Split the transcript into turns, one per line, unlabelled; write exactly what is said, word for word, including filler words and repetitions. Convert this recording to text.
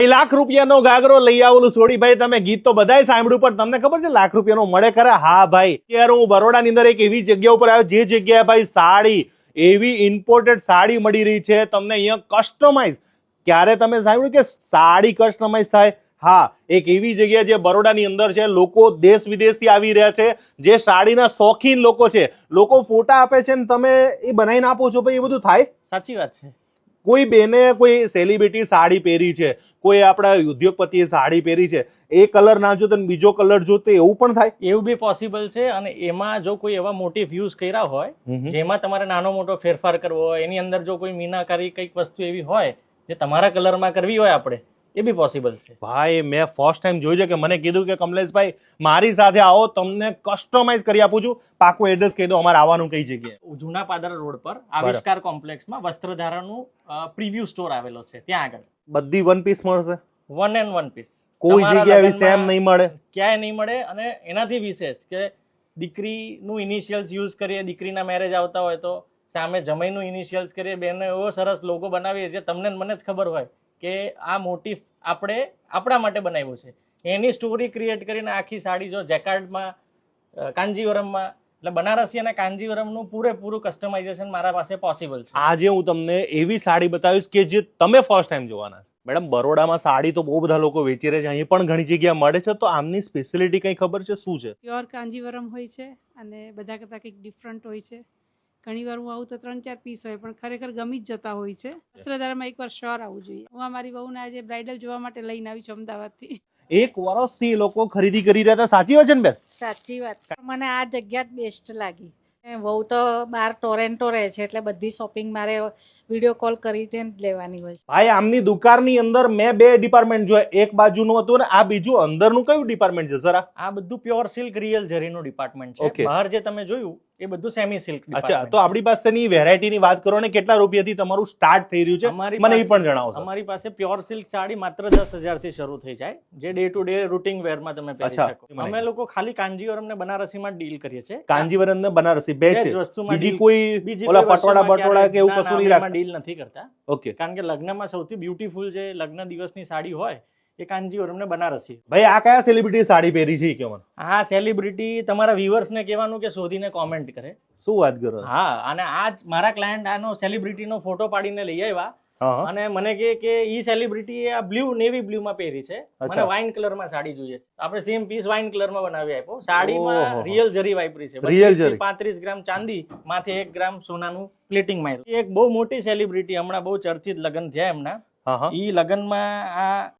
લાખ રૂપિયાનો ગાગરો લઈ આવેલું છોડી ભાઈ તમે ગીત તો બધાય સાંભળ્યું પણ તમને ખબર છે લાખ રૂપિયાનો મળે ખરા? હા ભાઈ, અત્યારે હું બરોડાની અંદર એક એવી જગ્યા ઉપર આવ્યો જે જગ્યાએ ભાઈ સાડી, એવી ઇમ્પોર્ટેડ સાડી મળી રહી છે તમને અહીંયા કસ્ટમાઇઝ. ક્યારે તમે સાંભળ્યું કે સાડી કસ્ટમાઇઝ થાય? હા, એક એવી જગ્યા જે બરોડાની અંદર છે. લોકો દેશ વિદેશથી આવી રહ્યા છે, જે સાડીના શોખીન લોકો છે. લોકો ફોટા આપે છે ને તમે એ બનાવીને આપો છો ભાઈ, એ બધું થાય?
સાચી વાત છે.
કોઈ બેને કોઈ સેલિબ્રિટી સાડી પહેરી છે, કોઈ આપણા ઉદ્યોગપતિએ સાડી પહેરી છે, એ કલર ના જોતો ને બીજો કલર જોતો એવું પણ થાય?
એવું બી પોસિબલ છે. અને એમાં જો કોઈ એવા મોટિવ યુઝ કર્યા હોય જેમાં તમારે નાનો મોટો ફેરફાર કરવો હોય, એની અંદર જો કોઈ મીનાકારી કઈક વસ્તુ એવી હોય જે તમારા કલરમાં કરવી હોય આપણે, એ બી પોસિબલ છે.
ભાઈ મેં ફર્સ્ટ ટાઈમ જોયું છે કે મને કીધું કે કમલેશભાઈ મારી સાથે આવો, તમને કસ્ટમાઇઝ કરી આપું છું. પાકું એડ્રેસ કહી દો અમારે આવવાનું કઈ જગ્યાએ?
જૂના પાદરા રોડ પર આવિષ્કાર કોમ્પ્લેક્સમાં વસ્ત્રધારાનું પ્રીવ્યુ સ્ટોર આવેલો છે, ત્યાં આગળ
બધી વન પીસ મળશે?
One and one piece.
કોઈ જગ્યાએ સેમ નહીં મળે?
ક્યાંય નહીં મળે. અને એનાથી વિશેષ કે દીકરીનું ઇનિશિયલ્સ યુઝ કરીએ, દીકરીના મેરેજ આવતા હોય તો સામે જમાઈનું ઇનિશિયલ્સ કરીએ, બેનો એવો સરસ લોગો બનાવીએ જે તમને મને જ ખબર હોય કે આ મોટિવ આપણે આપણા માટે બનાવ્યું છે. એની સ્ટોરી ક્રિએટ કરીને આખી સાડી જો જેકાર્ડમાં, કાંજીવરમમાં, એટલે બનારસી અને કાંજીવરમનું પૂરેપૂરું કસ્ટમાઇઝેશન મારા પાસે પોસિબલ છે.
આજે હું તમને એવી સાડી બતાવીશ કે જે તમે ફર્સ્ટ ટાઈમ જોવાના છો. મેડમ, બરોડામાં સાડી તો બહુ બધા લોકો વેચી રહ્યા છે, અહીં પણ ઘણી જગ્યા મળે છે, તો આમની સ્પેશિયાલિટી કઈ ખબર છે? શું છે?
પ્યોર કાંજીવરમ હોય છે અને બધા કરતાં કંઈક ડિફરન્ટ હોય છે. ઘણી વાર હું આવું તો ત્રણ ચાર પીસ હોય પણ ખરેખર ગમી જ જતા હોય છે. વસ્ત્રધારામાં એકવાર શ્યોર આવવું જોઈએ. હું અમારી બહુને આજે બ્રાઇડલ જોવા માટે લઈને આવી છું અમદાવાદથી.
એક વર્ષથી લોકો ખરીદી કરી રહ્યા હતા, સાચી વાત છે ને બેન?
સાચી વાત. મને આ જગ્યા જ બેસ્ટ લાગી. બહુ તો બાર ટોરેન્ટો રહે છે એટલે બધી શોપિંગ મારે વિડીયો કોલ કરીને જ લેવાની હોય છે.
ભાઈ આમની દુકાનની અંદર મેં બે ડિપાર્ટમેન્ટ જોયા, એક બાજુનું હતું ને આ બીજું અંદરનું કયું ડિપાર્ટમેન્ટ છે સર?
આ બધું પ્યોર સિલ્ક રિયલ જરીનું ડિપાર્ટમેન્ટ છે. બહાર જે તમે જોયું એ બધું સેમી સિલ્ક.
અચ્છા, તો આપણી પાસેની વેરાયટીની વાત કરો ને, કેટલા રૂપિયાથી તમારું સ્ટાર્ટ થઈ રહ્યું છે મને એ પણ જણાવો.
અમારી પાસે પ્યોર સિલ્ક સાડી માત્ર દસ હજાર થી શરૂ થઈ જાય, જે ડે ટુ ડે રૂટિંગ વેરમાં તમે પહેરી શકો. અમે લોકો ખાલી કાંજીવરમ ને બનારસીમાં ડીલ કરીએ છીએ.
કાંજીવરમ ને બનારસી બે જ
વસ્તુમાં.
બીજી કોઈ ઓલા પટોળા બટોળા કે એવું કશું નહીં રાખતા?
ડીલ નથી કરતા.
ઓકે.
કારણ કે લગ્નમાં સૌથી બ્યુટીફુલ જે લગ્ન દિવસની સાડી હોય એ કાંજીવરમ ને બનારસી.
ભાઈ આ કયા સેલિબ્રિટી સાડી પહેરી છે કે મને?
આ સેલિબ્રિટી તમારા વ્યુઅર્સ ને કહેવાનું કે શોધીને કોમેન્ટ કરે.
શું વાત કરો?
હા, અને આજ મારા ક્લાયન્ટ આનો સેલિબ્રિટીનો ફોટો પાડીને લઈ આવ્યા અને મને કહે કે ઈ સેલિબ્રિટી આ બ્લુ નેવી બ્લુ માં પહેરી છે, મને વાઇન કલર માં સાડી જોઈએ છે. આપણે સેમ પીસ વાઇન કલર માં બનાવી આપ્યો. સાડીમાં રિયલ જરી વાપરી છે.
રિયલ જરી.
પાંત્રીસ ગ્રામ ચાંદી, માથે એક ગ્રામ સોનાનું પ્લેટિંગ માર્યું. એક બહુ મોટી સેલિબ્રિટી, હમણાં બહુ ચર્ચિત લગ્ન થયા એમના, ઈ લગ્નમાં આ